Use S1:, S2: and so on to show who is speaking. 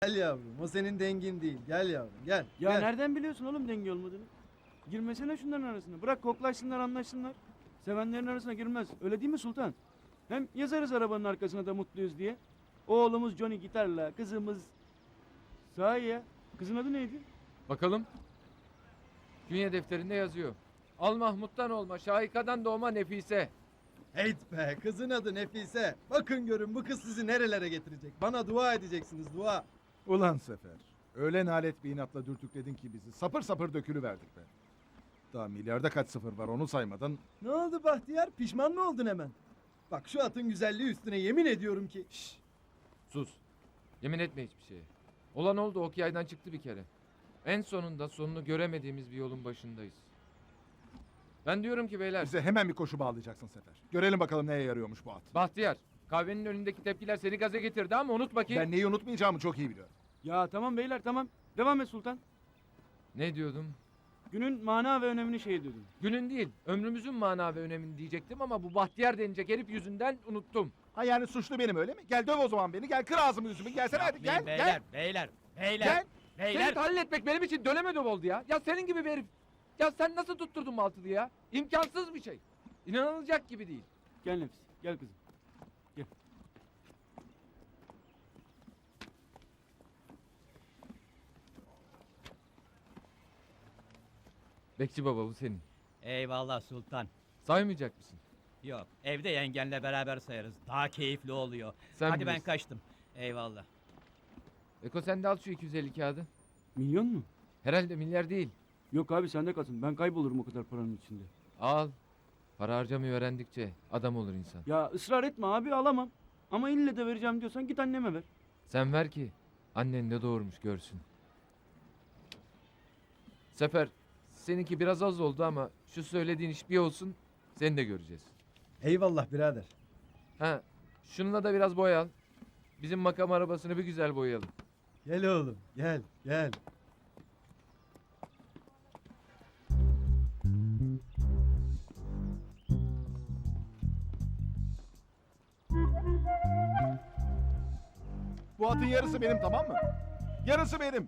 S1: Gel yavrum, o senin dengin değil. Gel yavrum, gel.
S2: Ya
S1: gel.
S2: nereden biliyorsun oğlum denge olmadığını? Girmesene şunların arasına. Bırak koklaşsınlar anlaşsınlar. Sevenlerin arasına girmez. Öyle değil mi Sultan? Hem yazarız arabanın arkasına da mutluyuz diye. Oğlumuz Johnny gitarla, kızımız... Sahi ya. Kızın adı neydi?
S3: Bakalım. Künye defterinde yazıyor. Al Mahmut'tan olma, Şahika'dan doğma Nefise.
S1: Heyt be, kızın adı Nefise. Bakın görün bu kız sizi nerelere getirecek. Bana dua edeceksiniz, dua.
S4: Ulan Sefer. Öyle nalet bir inatla dürtükledin ki bizi. Sapır sapır dökülüverdik be. Daha milyarda kaç sıfır var onu saymadan.
S1: Ne oldu Bahtiyar? Pişman mı oldun hemen? Bak şu atın güzelliği üstüne yemin ediyorum ki.
S3: Şşş. Sus. Yemin etme hiçbir şeye. Olan oldu, ok yaydan çıktı bir kere. En sonunda sonunu göremediğimiz bir yolun başındayız. Ben diyorum ki beyler.
S4: Bize hemen bir koşu bağlayacaksın Sefer. Görelim bakalım neye yarıyormuş bu at.
S3: Bahtiyar, kahvenin önündeki tepkiler seni gaza getirdi ama unutma ki...
S4: Ben neyi unutmayacağımı çok iyi biliyorum.
S2: Ya tamam beyler tamam. Devam et Sultan.
S3: Ne diyordum?
S2: Günün mana ve önemini şey ediyordun.
S3: Günün değil, ömrümüzün mana ve önemini diyecektim ama bu Bahtiyar denilecek herif yüzünden unuttum.
S4: Ha yani suçlu benim öyle mi? Gel döv o zaman beni. Gel kır ağzımı yüzümü. Gelsene hadi gel
S5: Beyler,
S4: gel.
S5: beyler,
S4: Gel.
S3: Seni tahlil etmek benim için döneme döv oldu ya. Ya senin gibi bir herif. Ya sen nasıl tutturdun Maltılı ya? İmkansız bir şey. İnanılacak gibi değil.
S2: Gel Nefis. Gel kızım. Gel.
S3: Bekçi baba bu senin.
S5: Eyvallah Sultan.
S3: Saymayacak mısın?
S5: Yok, evde yengenle beraber sayarız. Daha keyifli oluyor.
S3: Sen
S5: Hadi ben
S3: bilirsin.
S5: kaçtım. Eyvallah.
S3: Eko sen de al şu 250 kağıdı.
S2: Milyon mu?
S3: Herhalde milyar değil.
S2: Yok abi sende kalsın. Ben kaybolurum o kadar paranın içinde.
S3: Al. Para harcamayı öğrendikçe adam olur insan.
S2: Ya ısrar etme abi alamam. Ama ille de vereceğim diyorsan git anneme ver.
S3: Sen ver ki annen de doğurmuş görsün. Sefer seninki biraz az oldu ama şu söylediğin iş bir olsun seni de göreceğiz.
S1: Eyvallah birader.
S3: Ha şununla da biraz boyal. Bizim makam arabasını bir güzel boyayalım.
S1: Gel oğlum, gel, gel.
S4: Bu atın yarısı benim tamam mı? Yarısı benim.